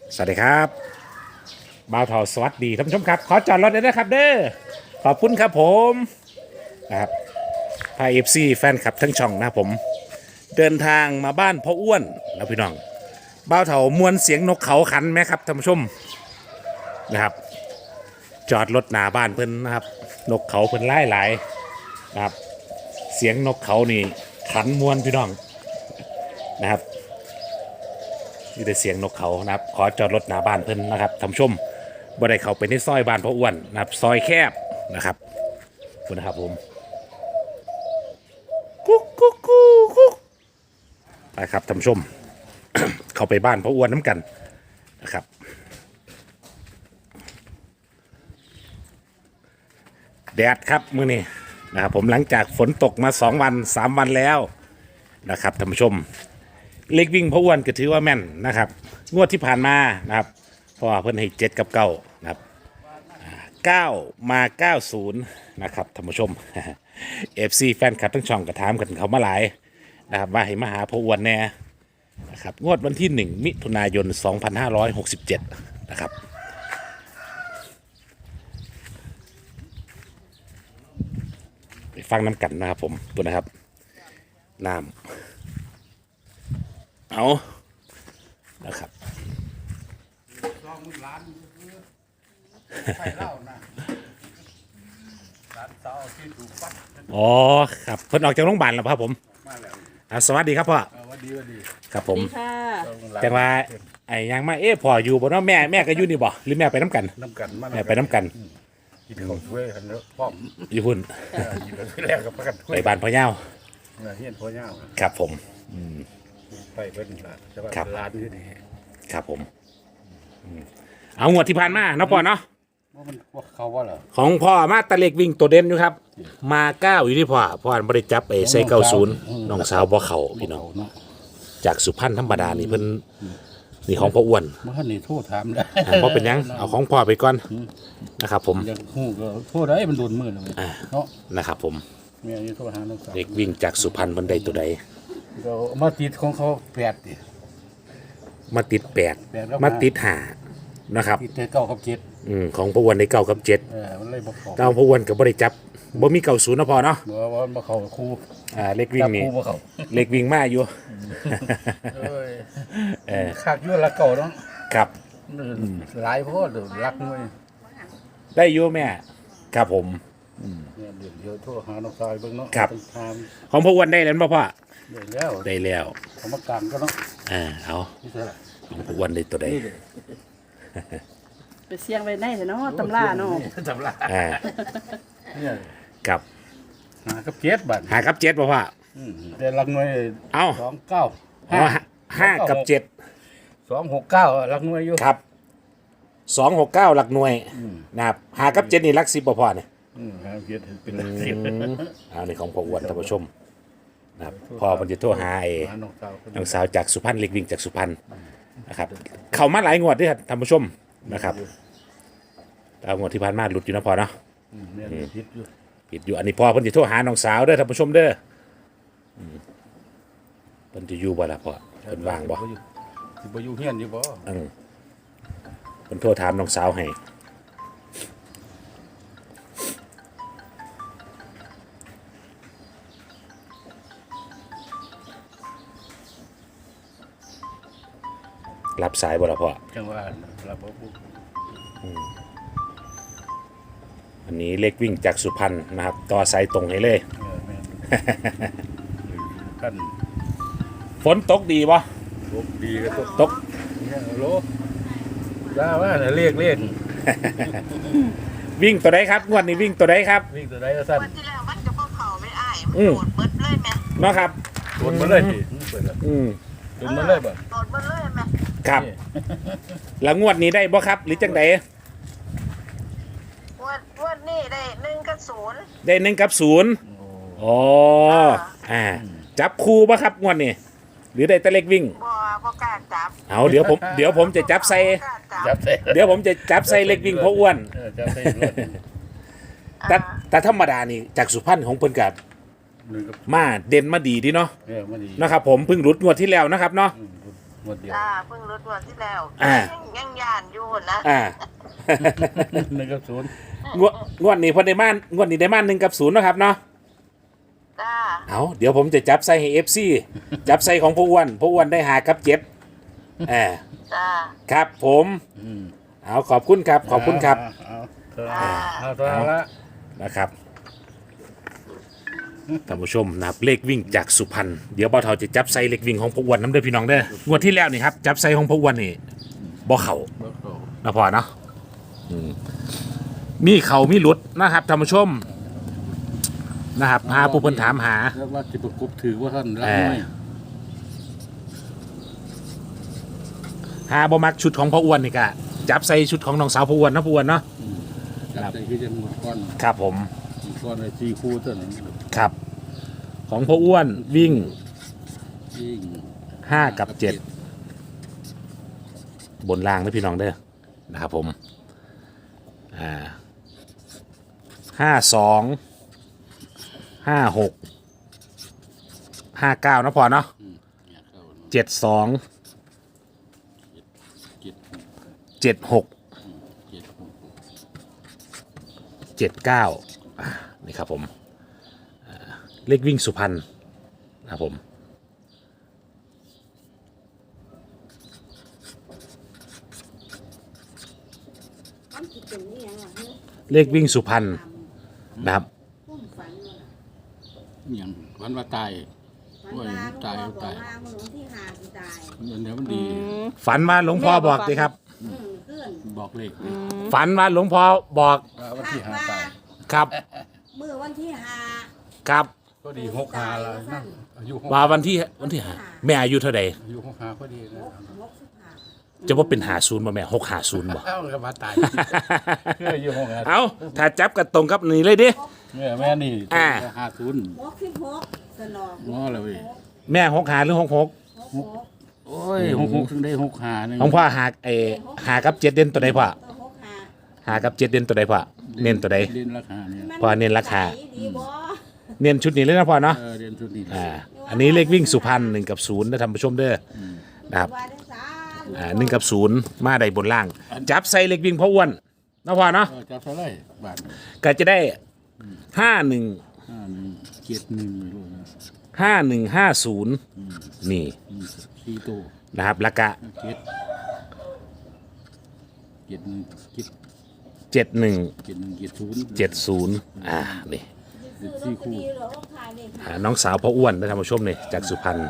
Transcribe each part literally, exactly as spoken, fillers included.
สวัสดีครับบ่าวทอสวัสดีท่านผู้ชมครับขอจอดรถได้นะครับเด้อขอบคุณครับผมนะครับพาเอฟซีแฟนคลับทั้งช่องนะครับผมเดินทางมาบ้านพ่ออ้วนนะพี่น้องบ่าวเถามวนเสียงนกเขาขันไหมครับท่านผู้ชมนะครับจอดรถหน้าบ้านเพิ่นนะครับนกเขาเพิ่นไล่หลายนะครับเสียงนกเขานี่ขันมวนพี่น้องนะครับนี่แต่เสียงนกเขานะครับขอจอดรถหน้าบ้านเพิ่นนะครับท่านผู้ชมบ่ได้เข้าไปในซอยบ้านพ่ออ้วนนะครับซอยแคบนะครับขอบคุณนะครับผมกุ๊กกุ๊กกุ๊กกุ๊กไปครับท่านผู้ชม เข้าไปบ้านพ่ออ้วนน้ำกันนะครับแดดครับมื้อนี้นะครับผมหลังจากฝนตกมาสองวันสามวันแล้วนะครับท่านผู้ชมเล็กวิ่งพ่ออ้วนก็ถือว่าแม่นนะครับงวดที่ผ่านมานะครับเพราะว่าเพิ่นให้เจ็ดกับเก้านะครับเก้ามาเก้าศูนย์นะครับท่านผู้ชม เอฟซีแฟนคลับทั้งช่องก็ถามกันเขามาหลายนะครับว่าให้มาหาพ่ออ้วนแน่นะครับงวดวันที่หนึ่งมิถุนายนสองพันห้าร้อยหกสิบเจ็ดนะครับไปฟังน้ำกันนะครับผมตัวนะครับน้ำเอานะครับอ๋อครับเพิ่นออกจากโรงพยาบาลแล้วครับผมอ่าสวัสดีครับพ่อสวัสดีสวัสดีครับผมแต่ว่าไอ้ยังมาเอ๊ะพ่ออยู่บ่เนาะแม่แม่ก็อยู่นี่บ่หรือแม่ไปน้ำกันน้ำกันแม่ไปน้ำกันกินข้าวช่วยกันแล้วพร้อมอยู่พุ่นกินข้าวช่วยแรกกับประกันไปบ้านพ่อเย้าเฮียนพ่อเย้าครับผมไปเพิ่นละจะว่าร้านที่นี่ครับผมเอางวดที่ผ่านมาเนาะพ่อเนาะว่ามันว่าเขาว่าเหรอของพ่อมาตะเล็กวิ่งตัวเด่นอยู่ครับมาเก้าอยู่ที่พ่อพ่อบ่ได้จับไอ้ไส้เก้าศูนย์น้องสาวบ่เข้าพี่น้องจากสุพรรณธรรมดานี่เพิ่นนี่ของพ่ออ้วนบ่ทันนี่โทษถามได้บ่เป็นหยังเอาของพ่อไปก่อนนะครับผมอยากฮู้ก็โทษได้มันโดนมือเลยเนาะนะครับผมแม่นี่โทษหาน้องสาวเด็กวิ่งจากสุพรรณเพิ่นได้ตัวใดก็มาติดของเขาแปดดิมาติดแปดมาติดห้านะครับติดเก้ากับเจ็ดอืมของพ่ออ้วนได้เก้ากับเจ็ดเออมันเลยบ่เข้าแต่พ่ออ้วนก็บ่ได้จับบ่มีเก้าศูนย์นะพ่อเนาะบ่ว่าบ่เข้าครูอ่าเล็กวิ่งนี่เล็กวิ่งมาอยู่เอ้ยเออคักอยู่ละเก่าเนาะครับหลายโพดรักมวยได้อยู่แม่ครับผมอืมเนี่ยเดี๋ยวเดี๋ยวโทรหาน้องชายเบิ่งเนาะครับของพ่ออ้วนได้แล้วบ่พ่อได้แล้วได้แล้วเอามากลางก็เนาะอ่าเอาของพ่ออ้วนได้ตัวใดไปเสี่ยงไว้ในเนาะตำราเนาะตำราอ่าเนี่ยกับหากับเจ็ดบาทหากับเจ็ดบ่พ่ออืมแต่ลักหน่วยเอ้าสองเก้าห้าห้ากับเจ็ดสองหกเก้าลักหน่วยอยู่ครับสองหกเก้าหลักหน่วยนะครับหากับเจ็ดนี่หลักสิบบ่พ่อเนี่ยอืมหาเจ็ดเป็นหลักสิบเอาในของพ่ออ้วนท่านผู้ชมนะครับพ่อมันจะโทรหาไอ้น้องสาวจากสุพรรณเล็กวิ่งจากสุพรรณนะครับเข้ามาหลายงวดด้วยครับท่านผู้ชมนะครับเอางวดที่ผ่านมาหลุดอยู่นะพ่อเนาะผิดอยู่ผิดอยู่อันนี้พ่อเพิ่นจะโทรหาน้องสาวเด้อท่านผู้ชมเด้อเพิ่นจะอยู่บ่ล่ะพ่อเพิ่นว่างบ่สิบ่อยู่เฮียนอยู่บ่อือเพิ่นโทรถามน้องสาวให้รับสายบ่ล่ะพ่อจังว่ารับบ่อันนี้เล็กวิ่งจากสุพรรณนะครับต่อสายตรงให้เลยกันฝนตกดีบ่ตกดีก็ตกตกเนี่ยโลได้ว่าน่ะเรียกเรียกวิ่งตัวใดครับงวดนี้วิ่งตัวใดครับวิ่งตัวใดก็สั้นวันที่แล้วมันจะบ่เข้าไม่อ้ายมันโดดเบิดเลยแม่เนาะครับโดดมาเลยสิเปิดอืมโดดมาเลยบ่โดดเบิดเลยแม่ครับแล้วงวดนี้ได้บ่ครับหรือจังได๋วันวันนี้ได้หนึ่งกับศูนย์ได้หนึ่งกับศูนย์อ๋ออ่าจับคู่ป่ะครับงวดนี้หรือได้แต่เล็กวิ่งบ่บ่กล้าจับเอาเดี๋ยวผมเดี๋ยวผมจะจับใส่จับใส่เดี๋ยวผมจะจับใส่เล็กวิ่งพ่ออ้วนจับใส่แต่แต่ธรรมดานี่จากสุพรรณของเพิ่นกับมาเด่นมาดีดีเนาะนะครับผมเพิ่งรุดงวดที่แล้วนะครับเนาะหมดเดียวจ้าเพิ่งรถวันที่แล้วอ่ายังยังยานอยู่นะอ่าหนึ่งกับศูนย์งวดงวดนี้เพอได้มานงวดนี้ได้มานหนึ่งกับศูนย์นะครับเนาะจ้าเอาเดี๋ยวผมจะจับใส่ให้เอฟซีจับใส่ของพ่ออ้วนพ่ออ้วนได้หากับเจ็ดเออจ้าครับผมอืมเอาขอบคุณครับขอบคุณครับเอาเอาจ้าเอาตัวเอาละนะครับท่านผู้ชมนะครับเลขวิ่งจากสุพรรณเดี๋ยวบ่าวเฒ่าจะจับใส่เลขวิ่งของพ่ออ้วนน้ำเด้อพี่น้องเด้องวดที่แล้วนี่ครับจับใส่ของพ่ออ้วนนี่บ่เข่าเบิกเขานะพอเนาะอืมมีเข่ามีหลุดนะครับท่านผู้ชมนะครับหาผู้เพิ่นถามหาแล้วว่าจะประกบถือว่าท่านรักเออไหมหาบ่มักชุดของพ่ออ้วนนี่ก็จับใส่ชุดของน้องสาวพ่ออ้วนนะพ่ออ้วนเนาะจับใจคือจะหมดก้อนครับผมหมดก้อนเลยสี่คู่เท่านั้นครับ ของพ่ออ้วนวิ่งยิ่งห้ากับเจ็ดบนล่างนะพี่น้องเด้อนะครับผมอ่าห้าสองห้าหกห้าเก้านะพอเนาะเนี่ยเข้าเจ็ดสองเจ็ดหกเจ็ดหกเจ็ดหกเจ็ดเก้าอ่านี่ครับผมอ่าเลขวิ่งสุพรรณนะครับผมเลขวิ่งสุพรรณนะครับอย่างวันว่าตายวันลาตายตายมันหลงที่หาสิตายเงินเดี๋ยวมันดีฝันว่าหลวงพ่อบอกสิครับอืมขึ้นบอกเลขฝันว่าหลวงพ่อบอกว่าวันที่ห้าตายครับมือวันที่หาครับก็ดีหกหาแล้วนะอายุหกว่าวันที่วันที่หาแม่อายุเท่าใดอายุหกหาก็ดีนะหกสิบห้าจะว่าเป็นหาศูนย์บ่แม่หกหาศูนย์บ่เอ้าก็มาตายเพื่ออายุหกหาเอาถ้าจับกันตรงกับนี่เลยดิเนี่ยแม่นี่อ่าห้าศูนย์หกสิบหกสนองง้อเลยแม่หกหาหรือหกหกหกหกโอ้ยหกหกถึงได้หกหาหนึ่งของพ่อหาเออหากับเจ็ดเด่นตัวใดพ่อตัวหกหาหากับเจ็ดเด่นตัวใดพ่อเน้นตัวใดเรียนราคาเนี่ยมัพอเน้นราคาดีบ่เน้นชุดนี้เลยนะพ่อเนาะเออเรียนทุนนี่อ่าอันนี้เลขวิ่งสุพรรณหนึ่งกับศูนย์นะท่านผู้ชมเด้อนะครับว่าได้สามอ่าหนึ่งกับศูนย์มาได้บนล่าง จับใส่เลขวิ่งพ่ออ้วนนะพ่อเนาะเออจับเท่าไหรบาทก็จะได้ห้าหนึ่งห้าหนึ่งเจ็ดหนึ่งไม่รู้นะห้าหนึ่งห้าศูนย์นี่อืมสี่ตัวนะครับแล้วก็เจ็ดเจ็ดหนึ่งเจ็ดเจ็ดหนึ่งเจ็ดหนึ่งเจ็ดศูนย์เจ็ดศูนย์อ่านี่ซื้อลอตเตอรี่เหรอว่าขายเลขอ่าน้องสาวพ่ออ้วนนะท่านผู้ชมนี่จากสุพรรณ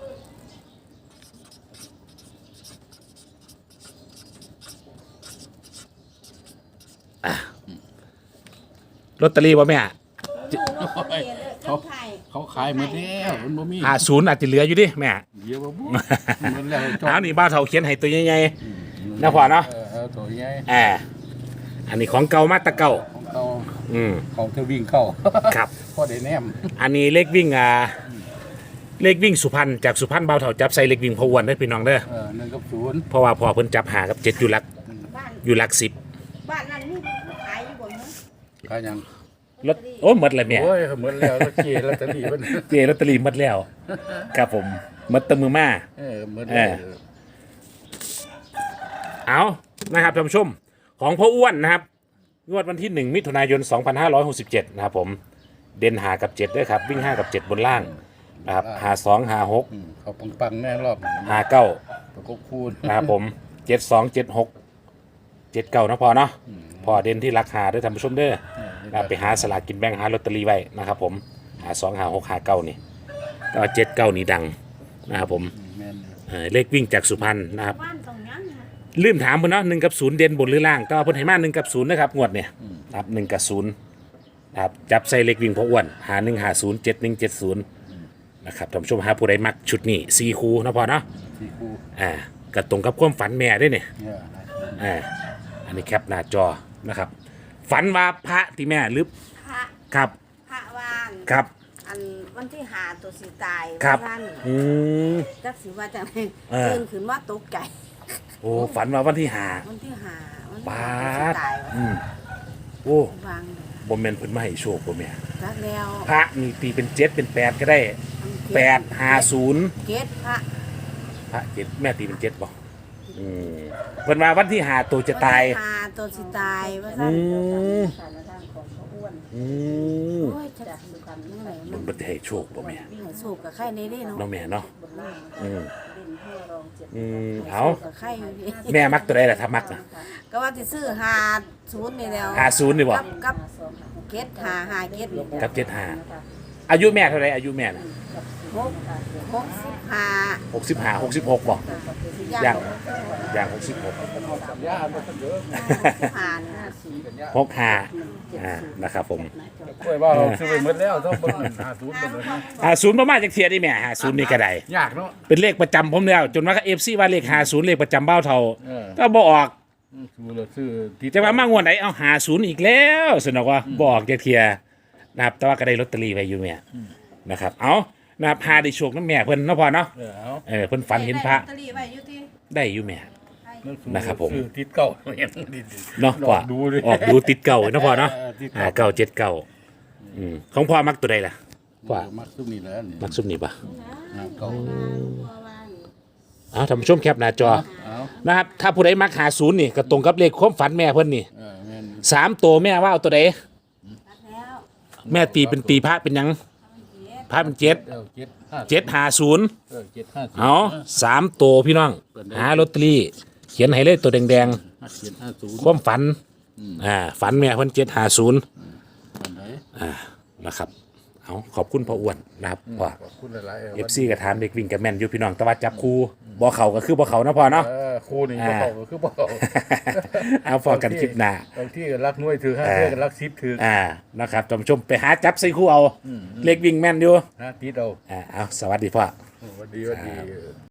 อ่ะลอตเตอรี่ป่ะแม่ซื้อลอตเตอรี่เลยเขาขายเขาขายหมดแล้วมันบ่มีหาศูนย์อาจจะเหลืออยู่ดิแม่เดี๋ยวบ่บุมันแล้วจบเอานี่บ้านเถาเขียนให้ตัวใหญ่ๆนะพ่อเนาะเออเอาตัวใหญ่แอบอันนี้ของเก่ามาแตะเก่าของเขาอืมของเธอวิ่งเข้าครับพอได้แนมอันนี้เลขวิ่งอ่าเลขวิ่งสุพรรณจากสุพรรณเบาเถาจับใส่เลขวิ่งพออ้วนได้อพี่น้องเด้อเออหนึ่งกับศูนย์เพราะว่าพอเพิ่นจับหากับเจ็ดอยู่หลักบ้านอยู่หลักสิบบ้านนั้นนี่ขายอยู่บ่เนาะขายยังรถโอ้หมดเลยแม่โอ้ยเหมือนแล้วแล้วเจลอตเตอรี่มันเจลอตเตอรี่หมดแล้วครับผมหมดแตะมือมาเออเหมือนเออ เอานะครับท่านผู้ชมของพ่ออ้วนนะครับงวดวันที่หนึ่งมิถุนายนสองพันห้าร้อยหกสิบเจ็ดนะครับผมเด่นหากับเจ็ดด้วยครับวิ่งห้ากับเจ็ดบนล่างนะครับหาสองหาหกอืมเขาปังๆแน่รอบหาเก้าประกบคูณนะครับผมเจ็ดสองเจ็ดหกเจ็ดเก้านะพอเนาะพอเด่นที่ราคาด้วยท่านผู้ชมเด้อนะครับไปหาสลากกินแบ่งหาลอตเตอรี่ไว้นะครับผมหาสองหาหกหาเก้านี่ก็เจ็ดเก้านี่ดังนะครับผมแม่นเอ่อเลขวิ่งจากสุพรรณนะครับบ้านตรงนั้นนะลืมถามเพิ่นเนาะหนึ่งกับศูนย์เด่นบนหรือล่างก็เพิ่นให้มาหนึ่งกับศูนย์นะครับงวดเนี่ยนะครับหนึ่งกับศูนย์นะครับจับใส่เลขวิ่งพออ้วนหาหนึ่งหาศูนย์เจ็ดหนึ่งเจ็ดศูนย์นะครับท่านผู้ชมหาผู้ใดมักชุดนี้สี่คูนะพอเนาะสี่คู่อ่าก็ตรงกับความฝันแม่ด้วยเนี่ยเนี่ยอ่าอันนี้แคปหน้าจอนะครับ ฝันว่าพระที่แม่หรือพระครับพระวานครับอันวันที่หาตัวสิตายครับท่านอืมจักสิว่าจังได๋เออตื่นขึ้นว่าตกใจโอ้ฝันว่าวันที่หาวันที่หาวันที่บาหาตัวสิดตายอืมโอ้วางเลยบ่แม่นเพิ่นมาให้โชคบ่แม่จักแล้วพระนี่ตีเป็นเจ็ดเป็นแปดก็ได้อันเกตแปดห้าศูนย์เกตพระพระเจ็ดแม่ตีเป็นเจ็ดบ่อืมเพิ่นมาวันที่หาตัวจะตายหาตัวสิตายว่าอืซั่นมอืมโอ้ยจักสุกันเมื่อไหร่มันบ่ได้ให้โชคบ่แม่ให้สูบกับไข่ในนี่เนาะเนาะแม่เนาะอืมอืมเอาสูบกับไข่อยู่พี่แม่มักตัวใดล่ะถ้ามักน่ะก็ว่าสิซื้อหาศูนย์นี่แล้วหาศูนย์นี่บ่กับกับเกตหาหาเกตนี่กับเจ็ดห้าอายุแม่เท่าไหร่อายุแม่น่ะหกหกสิบห้าหกสิบห้า หกสิบหกบ่ย่างอย่างหกสิบหกสัญญาบ่ทันเด้อผ่านนะหกห้าอ่านะครับผมกล้วยว่าเราซื้อไปหมดแล้วต้องเบิ่งหาศูนย์เบิ่งเลยนะหาศูนย์ประมาณจักเทียได้แม่หาศูนย์นี่ก็ได้ยากเนาะเป็นเลขประจำผมแล้ว จนว่าเอฟซีว่าเลขหาศูนย์เลขประจำเบ้าเท่าเออก็บ่ออกซื้อแล้วซื้อติดจะมามางวดไหนเอาหาศูนย์อีกแล้วสนอกว่าบออกจักเทียนะครับแต่ว่าก็ได้ลอตเตอรี่ไปอยู่แม่นะครับเอานะครับหาได้โชคน้ำแม่เพิ่นเนาะพอเนาะเออเอาเออเพิ่นฝันเห็นพระลอตเตอรี่ไว้อยู่ที่ได้อยู่แม่ นะครับผมซื้อติดเก่าเห็นดิเนาะลพ่อองดูดิออกดูติดเก่าเนาะพ่อเนาะเออติดอ่าเก่าเก่าเจ็ดเก่าอืมของพ่อมักตัวใดล่ะพ่อมักซุมนี่แหละนี่มักซุมนี่ปะเก่าเอาท่านผู้ชมแคปหน้าจอเอานะครับถ้าผู้ใดมักหาศูนย์นี่ก็ตรงกับเลขความฝันแม่เพิ่นนี่เออแม่นสามตัวแม่ว่าเอาตัวใดแล้วแม่ตีเป็นตีพระเป็นหยังพระเป็นเจ็ดเออเจ็ดห้าเจ็ดหาศูนย์เออเจ็ดห้าศูนย์เอาสามตัวพี่น้องหาลอตเตอรี่เขียนให้เลยตัวแดงห้าเจ็ดห้าศูนย์ๆความฝันอ่าฝันแม่เพิ่นเจ็ดหาศูนย์อันไหนอ่านะครับเอาขอบคุณพ่ออ้วนนะครับพ่อขอบคุณหลายๆเอฟซีก็ถามเด็กวิ่งกับแม่นอยู่พี่น้องแต่ว่าจับครูบ่เขาก็คือบ่เขานะพ่อเนาะเออครูนี่บ่เข้าก็คือบ่เข้าเอาพอกันคลิปหน้าบางที่ก็รักน้วยถือห้าเทื่อก็รักสิบถืออ่านะครับท่านผู้ชมไปหาจับใส่คู่เอาเล็กวิ่งแม่นอยู่ฮะติดเอาอ่าเอาสวัสดีพ่อสวัสดีสวัสดี